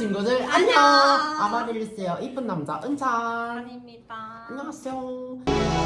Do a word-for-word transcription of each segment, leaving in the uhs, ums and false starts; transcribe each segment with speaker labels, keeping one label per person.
Speaker 1: 친구들 안녕. 아마릴리스요 이쁜 남자 은찬
Speaker 2: 아닙니다.
Speaker 1: 안녕하세요.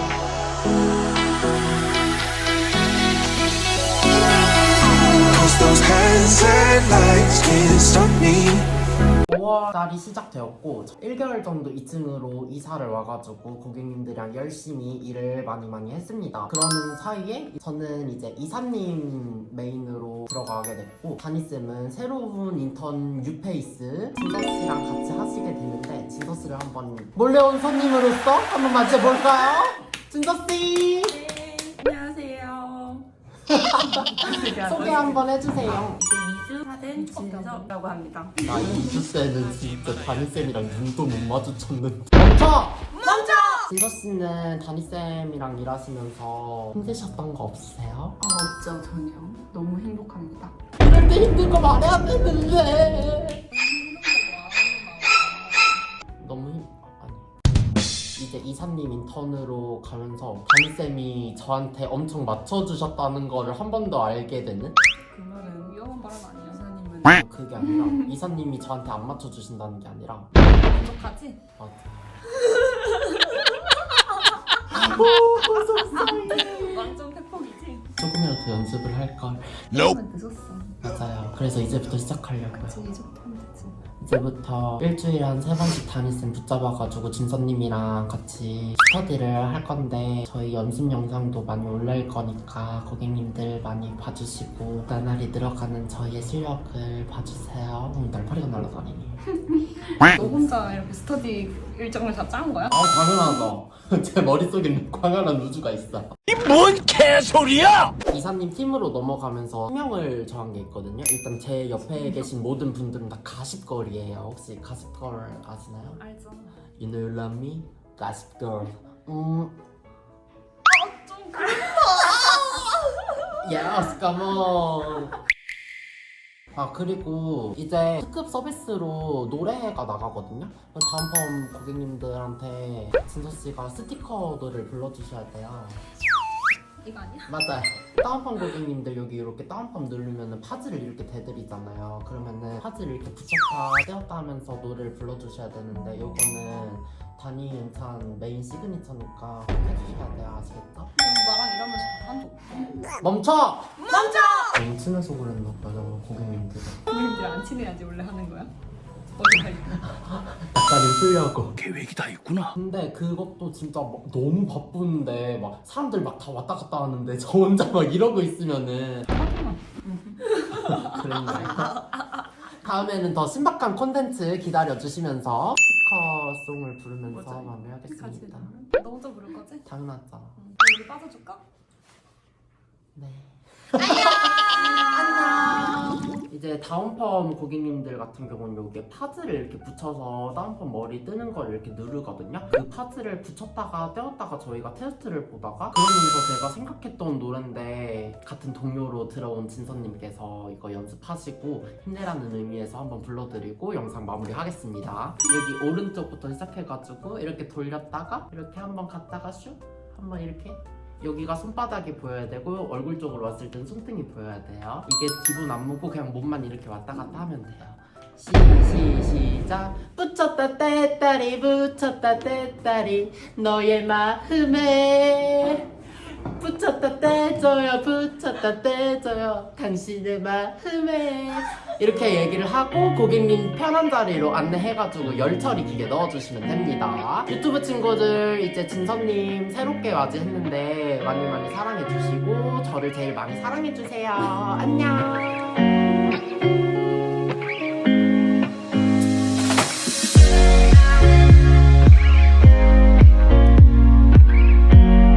Speaker 3: Those hands and lights can't stop me.
Speaker 1: 오월 달이 시작되었고 일 개월 정도 이 층으로 이사를 와가지고 고객님들이랑 열심히 일을 많이 많이 했습니다. 그러는 사이에 저는 이제 이사님 메인으로 들어가게 됐고 다니쌤은 새로운 인턴 뉴페이스 진서씨랑 같이 하시게 됐는데 진서씨를 한번 몰래 온 손님으로서 한번 맞춰볼까요? 진서씨!
Speaker 2: 네, 안녕하세요.
Speaker 1: 소개 한번 해주세요.
Speaker 2: 이제 이 주 차된 진서라고 합니다.
Speaker 1: 나 이 주 때는 진짜 다니쌤이랑 눈도 못 마주쳤는데 멈춰!
Speaker 2: 멈춰!
Speaker 1: 진서씨는 다니쌤이랑 일하시면서 힘드셨던 거 없으세요?
Speaker 2: 아, 없죠, 전혀. 너무 행복합니다.
Speaker 1: 이럴 때 힘든 거 말해야 되는데 너무 힘... 아니 이제 이사님 인턴으로 가면서 다니쌤이 저한테 엄청 맞춰주셨다는 거를 한 번 더 알게 되는?
Speaker 2: 그 말은 위험한 발언 아니야, 이사님은.
Speaker 1: 그게 아니라 이사님이 저한테 안 맞춰주신다는 게 아니라
Speaker 2: 만족하지?
Speaker 1: 맞아. 오 속상해.
Speaker 2: 완전 팩폭이지?
Speaker 1: 조금이라도 연습을 할걸.
Speaker 2: 너무 늦었어.
Speaker 1: 맞아요. 그래서 이제부터 시작하려고요.
Speaker 2: 그치, 이제부터 하면 되지.
Speaker 1: 이제부터 일주일에 한 세 번씩 다니쌤 붙잡아가지고 진서님이랑 같이 스터디를 할 건데 저희 연습 영상도 많이 올릴 거니까 고객님들 많이 봐주시고 나날이 늘어가는 저희의 실력을 봐주세요. 음, 날파리가 날아다니니.
Speaker 2: 너 혼자 이렇게 스터디 일정을 다 짠 거야?
Speaker 1: 아 당연하죠. 제 머릿속에는 광활한 우주가 있어.
Speaker 3: 이 뭔 개소리야!
Speaker 1: 이사님 팀으로 넘어가면서 성명을 정한 게 있거든요. 일단 제 옆에 계신 모든 분들은 다 가십걸이에요. 혹시 가십걸 아시나요?
Speaker 2: 알죠.
Speaker 1: You know love me? 가십걸. 음.
Speaker 2: 좀 그래.
Speaker 1: Yes, come on. 아 그리고 이제 특급 서비스로 노래가 나가거든요. 다음 번 고객님들한테 진서씨가 스티커들을 불러주셔야 돼요.
Speaker 2: 이거 아니야?
Speaker 1: 맞아요. 다운펌 고객님들 여기 이렇게 다운펌 누르면은 파즈를 이렇게 대드리잖아요. 그러면은 파즈를 이렇게 붙였다 떼었다 하면서 노래를 불러주셔야 되는데 요거는 다니 은찬 메인 시그니처니까 꼭 해주셔야 돼요. 아시겠죠?
Speaker 2: 나랑 일하면서 한 적 없어.
Speaker 1: 멈춰!
Speaker 2: 멈춰!
Speaker 1: 너무 친해서 그랬나 봐요 고객님들은.
Speaker 2: 고객님들 안 친해야지 원래 하는 거야? 어디 가 있고.
Speaker 1: 약간 풀려고.
Speaker 3: 계획이 다 있구나.
Speaker 1: 근데 그것도 진짜 막 너무 바쁜데 막 사람들 막 다 왔다 갔다 하는데 저 혼자 막 이러고 있으면은 그랬나요? 다음에는 더 신박한 콘텐츠 기다려주시면서 스티커송을 부르면서
Speaker 2: 맞아요.
Speaker 1: 마무리하겠습니다.
Speaker 2: 너 혼자 부를 거지?
Speaker 1: 당연하죠.
Speaker 2: 응. 우리 빠져줄까?
Speaker 1: 네. 안녕. 이제 다운펌 고객님들 같은 경우는 여기에 파즈를 이렇게 붙여서 다운펌 머리 뜨는 걸 이렇게 누르거든요. 그 파즈를 붙였다가 떼었다가 저희가 테스트를 보다가 그러면서 제가 생각했던 노래인데 같은 동료로 들어온 진서님께서 이거 연습하시고 힘내라는 의미에서 한번 불러드리고 영상 마무리하겠습니다. 여기 오른쪽부터 시작해가지고 이렇게 돌렸다가 이렇게 한번 갔다가 슉 한번 이렇게 여기가 손바닥이 보여야 되고 얼굴 쪽으로 왔을 땐 손등이 보여야 돼요. 이게 기분 안 무고 그냥 몸만 이렇게 왔다 갔다 하면 돼요. 시, 시, 시작. 붙였다 떼다리 붙였다 떼다리 너의 마음에 붙였다 떼줘요 붙였다 떼줘요 당신의 마음에 이렇게 얘기를 하고 고객님 편한 자리로 안내해가지고 열처리 기계 넣어주시면 됩니다. 유튜브 친구들 이제 진서님 새롭게 맞이했는데 많이 많이 사랑해주시고 저를 제일 많이 사랑해주세요. 안녕.